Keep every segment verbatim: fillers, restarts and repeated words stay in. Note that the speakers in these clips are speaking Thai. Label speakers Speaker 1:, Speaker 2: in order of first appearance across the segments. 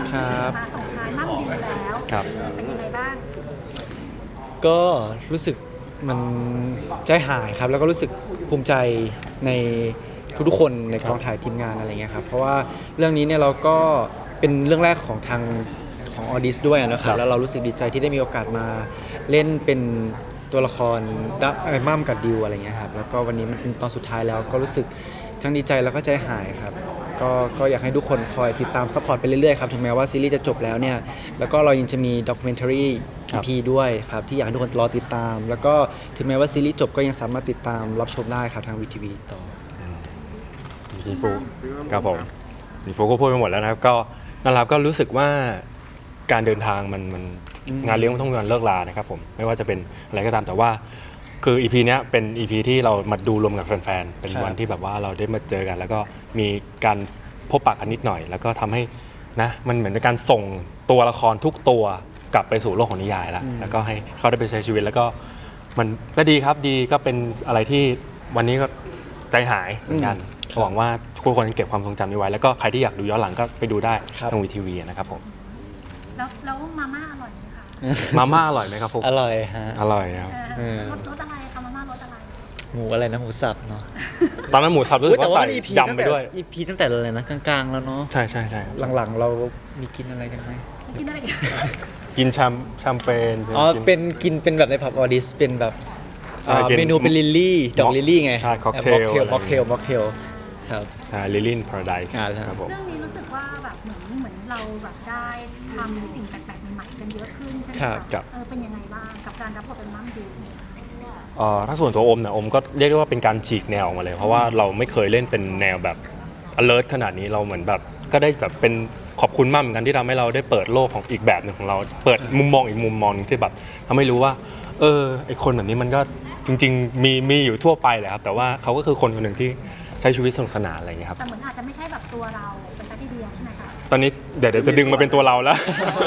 Speaker 1: ครับ
Speaker 2: มาส่งท้ายมั่งดีแล้ว
Speaker 3: ครับ
Speaker 2: เป็นยังไงบ้าง
Speaker 1: ก็รู้สึกมันใจหายครับแล้วก็รู้สึกภูมิใจในทุกๆคนในกองถ่ายทีมงานอะไรเงี้ยครับเพราะว่าเรื่องนี้เนี่ยเราก็เป็นเรื่องแรกของทางของออดิสด้วยนะค
Speaker 3: ครั
Speaker 1: รับบ แล้วเรารู้สึกดีใจที่ได้มีโอกาสมาเล่นเป็นตัวละครดับไอ้มั่มกับดิวอะไรเงี้ยครับแล้วก็วันนี้มันเป็นตอนสุดท้ายแล้วก็รู้สึกทั้งดีใจแล้วก็ใจหายครับก็ก็อยากให้ทุกคนคอยติดตามซัพพอร์ตไปเรื่อยๆครับถึงแม้ว่าซีรีส์จะจบแล้วเนี่ยแล้วก็เรายังจะมีด็อกิเมนทารี
Speaker 3: ครั
Speaker 1: อี
Speaker 3: บ
Speaker 1: พีด้วยครับที่อยากให้ทุกคนรอติดตาม แล้วก็ถึงแม้ว่าซีรีส์จบก็ยังสามารถติดตามรับชมได้ครับทางวีทีวีต่อ
Speaker 3: พี่ฟูครับผมพี่ฟูก็พูดไปหมดแล้วนะครับก็นั่นแหละครับก็รู้สึกว่าการเดินทางมันมันงานเลี้ยงมันต้องมีวันเลิกลานะครับผมไม่ว่าจะเป็นอะไรก็ตามแต่ว่าคือ อี พี เนี้ยเป็น อี พี ที่เรามาดูรวมกับแฟนๆเป็น
Speaker 1: ครับ
Speaker 3: วันที่แบบว่าเราได้มาเจอกัน แล้วก็มีการพบปะกันนิดหน่อย แล้วก็ทำให้นะมันเหมือนเป็นการส่งตัวละครทุกตัวกลับไปสู่โลกของนิยายแล้วแล้วก็ให้เขาได้ไปใช้ชีวิตแล้วก็มันก็ดีครับดีก็เป็นอะไรที่วันนี้ก็ใจหายเหมือนกัน หวังว่าทุกคนเก็บความทรงจำนี้ไว้ แล้วก็ใครที่อยากดูย้อนหลังก็ไปดูได้
Speaker 1: ครับ
Speaker 3: ทางวีทีวีนะครับผม
Speaker 2: แล้วแล้วมาม่าอร่อยไหมคะ
Speaker 3: มาม่าอร่อยไหมครับผม
Speaker 1: อร่อยฮะ
Speaker 3: อร่อยครับ
Speaker 2: เออ
Speaker 1: เออ
Speaker 2: รสรสอะไรคะมาม่ารสอะไร
Speaker 1: หมูอะไรนะหมูสับเนาะ
Speaker 3: ตอนนั้นหมูสับรู้สึก
Speaker 1: แต่
Speaker 3: ว่า
Speaker 1: ว่า
Speaker 3: ใส่
Speaker 1: มัน อี พี
Speaker 3: ยำไปด้วย
Speaker 1: อี พี ตั้งแต่อะไรนะกลางๆแล้วเนาะ
Speaker 3: ใช่ใช่ใช่
Speaker 1: หลังๆเรามีกินอะไรกันไหม
Speaker 2: กินอะไรกัน
Speaker 3: กินแชมแชมเปญ
Speaker 1: อ๋อ
Speaker 3: กิน
Speaker 1: เป็นกินเป็นแบบในผับออดิสเป็นแบบ
Speaker 3: ใช่
Speaker 1: อ่า
Speaker 3: เป็น
Speaker 1: เมนูเป็นลิลลี่ดอกลิลลี่ไง
Speaker 3: ใช่ cocktail
Speaker 1: ม็อกเทล
Speaker 3: อะไร
Speaker 1: ม็อกเทลม็อกเทลครับ
Speaker 3: ลิลลินพาราไดซ์
Speaker 1: อ่าใช่
Speaker 3: ครับผม
Speaker 2: เรื่องนี้รู้สึกว่าแบบเหมือนเหมือนเราแบบได้ทำสิ่งแปลกๆใหม่ๆกันเยอะขึ้นใช่ไหม
Speaker 1: ครั
Speaker 2: คะ
Speaker 1: บ
Speaker 3: ครับ
Speaker 2: เออเป็นยังไงบ้างกับการรับบทเป็นมั่งดิว
Speaker 3: เอ่อถ้าส่วนตัวอมเนี่ยอมก็เรียกได้ว่าเป็นการฉีกแนวออกมาเลย เพราะว่าเราไม่เคยเล่นเป็นแนวแบบ alert ขนาดนี้เราเหมือนแบบก็ได้แบบเป็นขอบคุณมากเหมือนกันที่ทำให้เราได้เปิดโลกของอีกแบบหนึ่งของเรา เปิดมุมมองอีกมุมมองหนึงที่แบบทำให้รู้ว่าเออไอคนแบบนี้มันก็จริงๆมีมีอยู่ทั่วไปแหละครับแต่ว่าเขาก็คือคนคนหนึ่งที่ใช้ชีวิตสนุกสนานอะไรอย่างเงี้ยครับ
Speaker 2: แต่เหมือนอาจจะไม่ใช่แบบตัวเราเป็นซะทีเดียวใช่ไหมคะ
Speaker 3: ตอนนี้เดี๋ยวเดี๋ยวจะดึงมาเป็นตัวเราแล้ว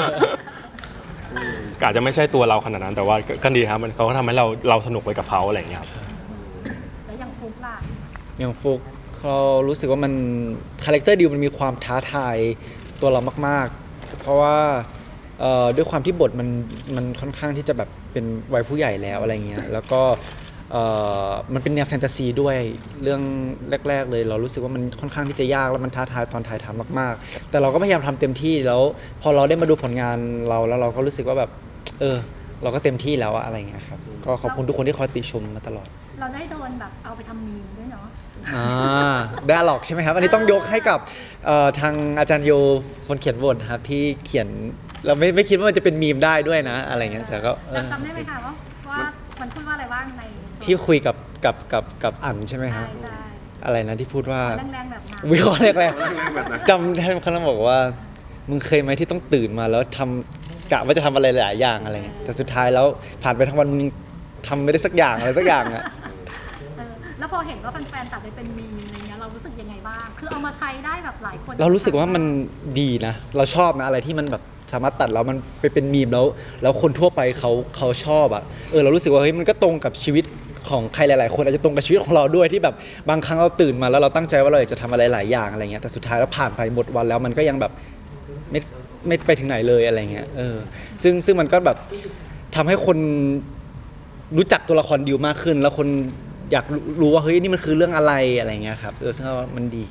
Speaker 3: อาจจะไม่ใช่ตัวเราขนาดนั้น แต่ว่าก็ก็ดีครับมันเขาก็ทำให้เราเราสนุกไปกับเขาอะไรอย่างเงี้ยครับ
Speaker 2: แล้วอย่างฟุกล่ะ
Speaker 1: อย่างฟุกเรารู้สึกว่ามันคาแรคเตอร์ดิวมันมีความท้าทายตัวเรามากๆ เพราะว่าเอ่อด้วยความที่บทมันมันค่อนข้างที่จะแบบเป็นวัยผู้ใหญ่แล้วอะไรเงี้ยแล้วก็เอ่อมันเป็นแนวแฟนตาซีด้วยเรื่องแรก ๆ เลย เรารู้สึกว่ามันค่อนข้างที่จะยากแล้วมันท้าทายตอนถ่ายทำมากๆ แต่เราก็พยายามทำเต็มที่แล้วพอเราได้มาดูผลงานเราแล้วเราก็รู้สึกว่าแบบเออเราก็เต็มที่แล้วอะอะไรเงี้ยครับก็ขอบคุณทุกคนที่คอยติชมมาตลอด
Speaker 2: เราได้โดนแบบเอาไปทำมีมด้วยเนาะ
Speaker 1: อ่าได้หรอกใช่ไหมครับ อันนี้ต้องยกให้กับเอ่อทางอาจารย์โยคนเขียนบทครับที่เขียนเราไม่ไม่คิดว่ามันจะเป็นมีมได้ด้วยนะอะไรเงี้ยแต่ก็เออ
Speaker 2: จำได้ไหมคะว่าว่ามันพูดว่าอะไรบ้างใน
Speaker 1: ที่คุยกับกับกับกับอั๋นใช่ไหมค
Speaker 2: ใช่
Speaker 1: รับ
Speaker 2: ใช่
Speaker 1: อะไรนะที่พูดว่า
Speaker 2: แรงๆแบบนั้น
Speaker 1: วิเคราะห์แรกๆจำได้เขาบอกว่ามึงเคยไหมที่ต้องตื่นมาแล้วทำกะว่าจะทำอะไรหลายอย่างอะไรเงี้ยแต่สุดท้ายแล้วผ่านไปทั้งวันมึงทำไม่ได้สักอย่างอะไรสักอย่างอะ
Speaker 2: เออแล้วพอเห็นว่าแฟนๆตัดไปเป็นมีมอะไรเงี้ยเรารู้สึกยังไงบ้าง คือเอามาใช้ได้แบบหลายคน
Speaker 1: เรารู้สึกว่ามันดีนะ เราชอบนะอะไรที่มันแบบสามารถตัดแล้วมันไปเป็นมีมแล้ว แล้วคนทั่วไปเขาเขาชอบอ่ะเออเรารู้สึกว่าเฮ้ยมันก็ตรงกับชีวิตของใครหลาย ๆ คนอาจจะตรงกับชีวิตของเราด้วยที่แบบบางครั้งเราตื่นมาแล้วเราตั้งใจว่าเราอยากจะทำอะไรหลายอย่างอะไรเงี้ยแต่สุดท้ายแล้วผ่านไปหมดวันแล้วมันก็ยังแบบไม่ไม่ไปถึงไหนเลยอะไรเงี้ยเออซึ่งซึ่งมันก็แบบทำให้คนรู้จักตัวละครดิวมากขึ้น แล้วคนอยากรู้ว่าเฮ้ยนี่มันคือเรื่องอะไรอะไรเงี้ยครับเออซึ่งเราว่ามันดี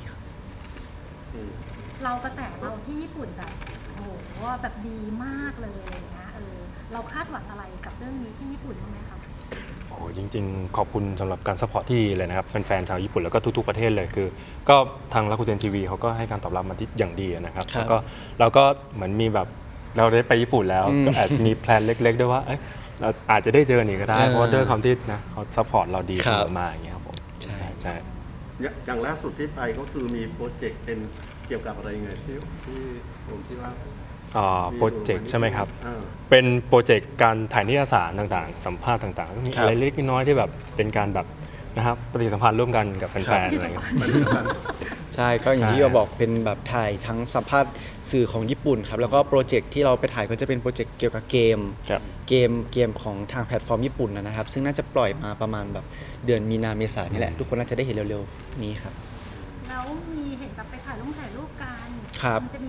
Speaker 2: เรากระแสเราที่ญี่ปุ่นแบบโอ้โหแบบดีมากเลยอะไรเงี้ยเออเราคาดหวังอะไรกับเรื่องนี้ที่ญี่ปุ่นบ้างไหมคะ
Speaker 3: โอ้โหจริงๆ ขอบคุณสำหรับการซัพพอร์ตที่ดีเลยนะครับแฟนๆชาวญี่ปุ่นแล้วก็ทุกๆประเทศเลยคือ ก็ทางรักุเทนทีวีเขาก็ให้การตอบรับมาที่อย่างดีนะครับ
Speaker 1: ครับ
Speaker 3: แล้วก็เราก็เหมือนมีแบบเราได้ไปญี่ปุ่นแล้ว
Speaker 1: อืม
Speaker 3: ก็อาจจะมีแพลนเล็กๆด้วยว่าเอ้ยเราอาจจะได้เจอกันอีกก็ได้
Speaker 1: เออ
Speaker 3: เพราะว่าด้วยความที่นะเขาซัพพอร์ตเราดี
Speaker 1: ค
Speaker 3: เส
Speaker 1: รับ
Speaker 3: มอมาอย่างเงี้ยครับผม
Speaker 1: ใช่
Speaker 3: ใช่
Speaker 4: อย่างล่าสุดที่ไปก็คือมีโปรเจกต์เป็นเกี่ยวกับอะไรยังไงที่ที่ผมที่ว่า
Speaker 3: อ่าโปรเจกต์ใช่ไหมครับ
Speaker 4: อ่า
Speaker 3: เป็นโปรเจกต์การถ่ายนิตยสารต่างๆ สัมภาษณ์ต่างๆก็มี
Speaker 1: ครับ
Speaker 3: อะไรเล็กๆน้อยๆที่แบบเป็นการแบบนะครับปฏิสัมพันธ์ร่วมกันกับแฟนๆอะไรเงี้ย
Speaker 1: ใช่ก็อย่างที่
Speaker 3: ใช่
Speaker 1: เราบอกเป็นแบบถ่ายทั้งสัมภาษณ์สื่อของญี่ปุ่นครับแล้วก็โปรเจกต์ที่เราไปถ่ายก็จะเป็นโปรเจกต์เกี่ยวกับเกม
Speaker 3: ครับ
Speaker 1: เกมเกมของทางแพลตฟอร์มญี่ปุ่นนะครับซึ่งน่าจะปล่อยมาประมาณแบบเดือนมีนาเมษายนนี่แหละทุกคนน่าจะได้เห็นเร็วๆนี้ครับ
Speaker 2: แล้วมีเห็นแบบไปถ่ายรูปถ่ายรูปกัน
Speaker 1: ครับ
Speaker 2: มันจะมีแผน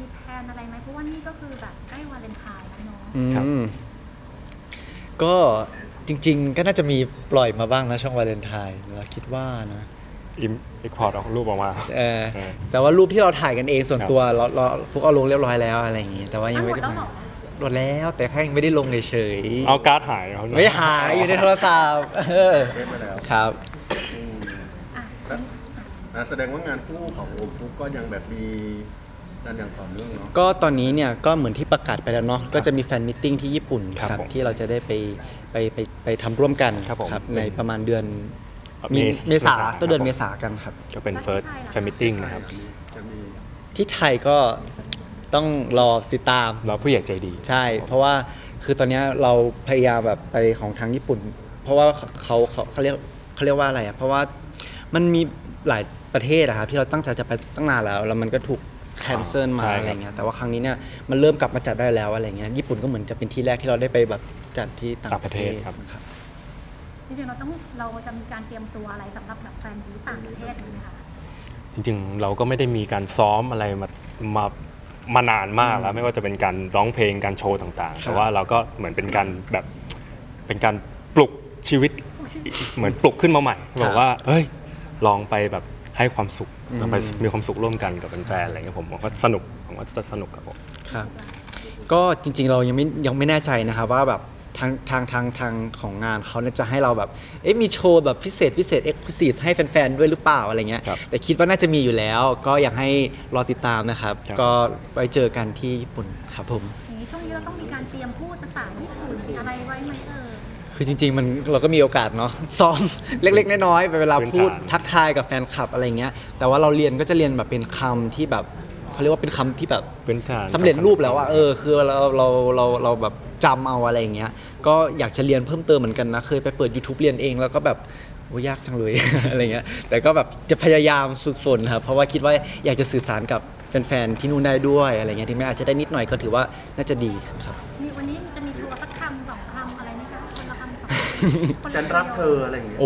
Speaker 2: นๆอะไรไหมเพราะว่านี่ก็คือแบบใกล้วาเลนไทน์แล้วเนาะ
Speaker 1: อื
Speaker 3: ครับ
Speaker 1: มก็จริง ๆ ก็น่าจะมีปล่อยมาบ้างนะช่องวาเลนไทน์เราคิดว่านะ
Speaker 3: อิมเอ็กพอร์ตเอารูปออกมา
Speaker 1: เออ
Speaker 3: เออ
Speaker 1: แต่ว่ารูปที่เราถ่ายกันเองส่วน
Speaker 3: ครับ
Speaker 1: ตัวเราเราฟุกเอาลงเรียบร้อยแล้วอะไรอย่างงี้แต่ว่ายังไม่ได้
Speaker 2: อ่ะหมดแล้วเหรอ
Speaker 1: โหลดแล้วแต่แค่ยังไม่ได้ลงเฉยๆ
Speaker 3: เอาการ์ดหายเอา
Speaker 1: ไม่หายอยู่ในโทรศัพท์เออ
Speaker 4: เล่นไปแล้ว
Speaker 1: ครับ
Speaker 4: อืม
Speaker 2: อ่ะ
Speaker 4: อ่ะแสดงว่างานคู่ของโอมฟุกก็ยังแบบมีกันอย่างต่อเนื่องเนาะ
Speaker 1: ก็ตอนนี้เนี่ยก็เหมือนที่ประกาศไปแล้วเนาะก็จะมีแฟนมิทติ้งที่ญี่ปุ่น
Speaker 3: ครับ
Speaker 1: ครับ
Speaker 3: ผม
Speaker 1: ที่เราจะได้ไปไปไปไปทำร่วมกัน
Speaker 3: ครับผม
Speaker 1: ในประมาณเดือนมี
Speaker 3: เมษ
Speaker 1: เมษา
Speaker 3: เมษา
Speaker 1: ต้นเดือน
Speaker 3: ครับ
Speaker 1: เมษากันครับ
Speaker 3: ก็เป็น first fan meeting นะครับ
Speaker 4: จะมี
Speaker 1: ที่ไทยก็ต้องรอติดตาม
Speaker 3: เราผู้ใหญ่ใจดี
Speaker 1: ใช่ เพราะว่าคือตอนเนี้ยเราพยายามแบบไปของทางญี่ปุ่น เพราะว่าเขาเขาเขาเรียกเขาเรียกว่าอะไรอ่ะเพราะว่ามันมีหลายประเทศอะครับที่เราตั้งใจจะไปตั้งนานแล้วแล้วมันก็ถูกแคนเซิลมา
Speaker 3: ใช่ครับ
Speaker 1: อะไรเงี้ยแต่ว่าครั้งนี้เนี่ยมันเริ่มกลับมาจัดได้แล้วอะไรเงี้ยญี่ปุ่นก็เหมือนจะเป็นที่แรกที่เราได้ไปแบบจัดที่ต่างประเทศ
Speaker 3: ต่างประเทศครับ
Speaker 1: ครับ
Speaker 2: จริงๆเราต้องเราจะมีการเตรียมตัวอะไรสำหรับแบบแฟนดีต่างประเทศไหมคะ
Speaker 3: จริงๆ เราก็ไม่ได้มีการซ้อมอะไรมามามานานมากแล้ว ไม่ว่าจะเป็นการร้องเพลงการโชว์ต่างๆ
Speaker 1: ครับ
Speaker 3: แต่ว่าเราก็เหมือนเป็นการแบบเป็นการปลุกชีวิตเหมือนปลุกขึ้นมาใหม่บอกว่าเฮ้ยลองไปแบบให้ความสุขเราไปมีความสุขร่วมกันกับแฟนๆอะไรเงี้ยผมว่าสนุกผมว่าจะสนุกกับผม
Speaker 1: ครับก็จริงๆเรายังไม่ยังไม่แน่ใจนะครับว่าแบบทางทางทางทางของงานเขาเนี่ยจะให้เราแบบเอ๊ะมีโชว์แบบพิเศษพิเศษเอ็กซ์คลูซีฟให้แฟนๆด้วยหรือเปล่าอะไรเงี้ย
Speaker 3: ครับ
Speaker 1: แต่คิดว่าน่าจะมีอยู่แล้ว ก็อยากให้รอติดตามนะครับ
Speaker 3: ครับ
Speaker 1: ก็ไว้เจอกันที่ญี่ปุ่นครับผม
Speaker 2: อย่างนี้ช่วงนี้เราต้องมีการเตรียมพูดภาษาญี่ปุ่นอะไรไว้ไหมเออ
Speaker 1: คือจริงๆมันเราก็มีโอกาสเนาะ ซ้อม เล็กๆน้อยๆไปเวลา
Speaker 3: พื้นฐาน
Speaker 1: พูดทักทายกับแฟนคลับอะไรเงี้ยแต่ว่าเราเรียนก็จะเรียนแบบเป็นคำที่แบบเขาเรียกว่าเป็นคำที่แบบ
Speaker 3: พื้นฐาน
Speaker 1: สำเร็จรูปแล้วอะเออคือเราเราเราเราแบบจำเอาอะไรอย่างเงี้ยก็อยากจะเรียนเพิ่มเติมเหมือนกันนะเคยไปเปิด YouTube เรียนเองแล้วก็แบบโอ้ยากจังเลย อะไรเงี้ยแต่ก็แบบจะพยายามฝึกฝนครับเพราะว่าคิดว่าอยากจะสื่อสารกับแฟนๆที่นู่นได้ด้วยอะไรเงี้ยที่แม้อาจจะได้นิดหน่อยก็ถือว่าน่าจะดีครับ
Speaker 2: นี่วันนี้จะมีทัวร์สักคำสองคำอะไรไหมคะคนละคำสองคำคนละ
Speaker 4: ฉันรักเธออะไรอย่างเงี้ย
Speaker 1: โอ้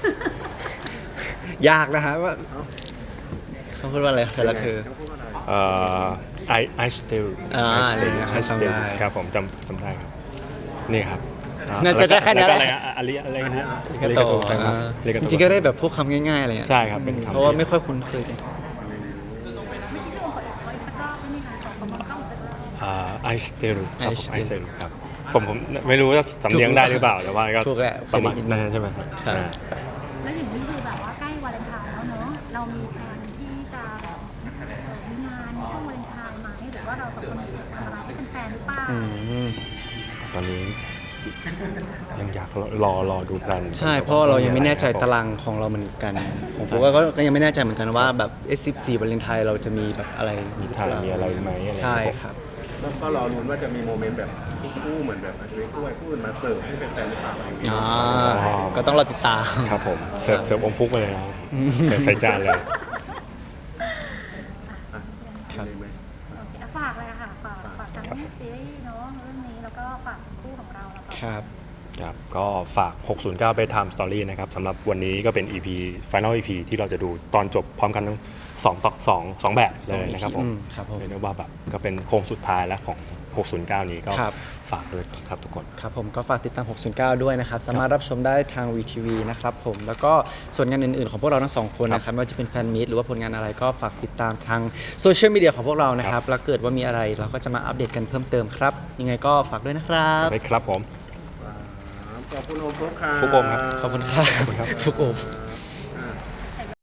Speaker 1: ยากนะฮะว่าเขาพูดว่าอะไรแต่ละเธอ
Speaker 4: ขาพูดว่าอะไร
Speaker 3: เอ่อ I I still
Speaker 1: อ่า
Speaker 3: I still
Speaker 1: เนี่ย
Speaker 3: I still
Speaker 1: จำได้
Speaker 3: ครับผมจำจำได้ครับนี่ครับ
Speaker 1: น่าจะได้แค่นี้แหละ
Speaker 3: ล้วก็อะไรอะอะไรอะไรนะ
Speaker 1: อาริกาโต
Speaker 3: อาริกาโต
Speaker 1: อ่า
Speaker 3: อาริกา
Speaker 1: จ
Speaker 3: โต
Speaker 1: ริงๆก็ได้แบบพวกคำง่ายๆอะไรเงี้ย
Speaker 3: ใช่ครับเป็นคำ
Speaker 1: เพราะว่าไม่ค่อยคุ้นเคยกัน
Speaker 2: ไม่ใช่ตัวขอขออีกสักรอบได้ไหมคะขอขอมองกล้องอีกสักรอบ
Speaker 3: อ่า I still ครับผม
Speaker 1: I
Speaker 3: I
Speaker 1: still
Speaker 3: still ครับผมผมไม่รู้ว่าสำเนียงได้หรือเปล่าแต่ว่าก็
Speaker 1: ถูกแหละ
Speaker 3: ประมาณ
Speaker 1: เคยได้ยิน
Speaker 3: นั้นใช่ไหมครับ
Speaker 1: ครับ
Speaker 3: อ่า
Speaker 2: แล้วอย่างนี้คือแบบว่าใกล้วาเลนไทน์แล้วเนอะเรามีแผนที่จะแบบเอ่อมีงานช่วงวาเลนไทน์ไหมหรือว่าเราสองคนทำอะไรให้เป็นแฟนหรือเปล่า
Speaker 1: อืม
Speaker 3: ตอนนี้ยังอยากรอรอดูแพลน
Speaker 1: ใช่เพราะว่าเรายังไม่แน่ใจตารางของเราเหมือนกันของโฟก็ก็ยังไม่แน่ใจเหมือนกันว่าแบบเอสสิบสี่วาเลนไทน์เราจะมีแบบอะไร
Speaker 3: มีถ่ายมีอะไรไหมอะไร
Speaker 1: ใช่ครับ
Speaker 4: แล้วก็รอรุ้นว่าจะมีโมเมนต์แบบคู่ๆเหมือนแบบอาจจะเป็นคู่ไอ้คู่อื่นมาเสิร์ฟให้เป็นแฟนหรือเปล่าอะไรอย่างเงี้ย
Speaker 1: อ่าก็ต้องรอติดตาม
Speaker 3: ครับผมเสิร์ฟเสิร์ฟอมฟุกไปเลยนะครับเสิร์ฟใส่จานเลย
Speaker 1: ครับ
Speaker 4: มีไหม
Speaker 2: โอเคฝากเลยอะค่ะฝากฝากทั้งซีรีส์เนาะเรื่องนี้แล้วก็ฝากคู่ของเราแล้วก็
Speaker 1: ครับ
Speaker 3: ครับก็ฝาก หกศูนย์เก้า Bedtime Story นะครับสำหรับวันนี้ก็เป็น อี พี Final อี พี ที่เราจะดูตอนจบพร้อมกันทั้งสองต่อสองสองแบบเลยนะครับผม
Speaker 1: อืมครับผม
Speaker 3: เรียกได้ว่าแบบก็เป็นโค้งสุดท้ายแล้วของ หกศูนย์เก้า นี้ก็
Speaker 1: ครับ
Speaker 3: ฝากด้วยครับทุกคน
Speaker 1: ครับผมก็ฝากติดตาม หกศูนย์เก้า ด้วยนะครับ สามารถรับชมได้ทาง วี ที วี นะครับผม แล้วก็ส่วนงานอื่นๆของพวกเราทั้งสองคนนะครับไม่ว่าจะเป็นแฟนมีตหรือว่าผลงานอะไรก็ฝากติดตามทางโซเชียลมีเดียของพวกเรานะครับ แล้วเกิดว่ามีอะไรเราก็จะมาอัปเดตกันเพิ่มเติมครับ ยังไงก็ฝากด้วยนะครับ
Speaker 3: ไปครับผม
Speaker 4: ขอบคุณโอมฟุกครับ
Speaker 3: ฟุกโอมครับ
Speaker 1: ขอบคุณครับฟุกโอม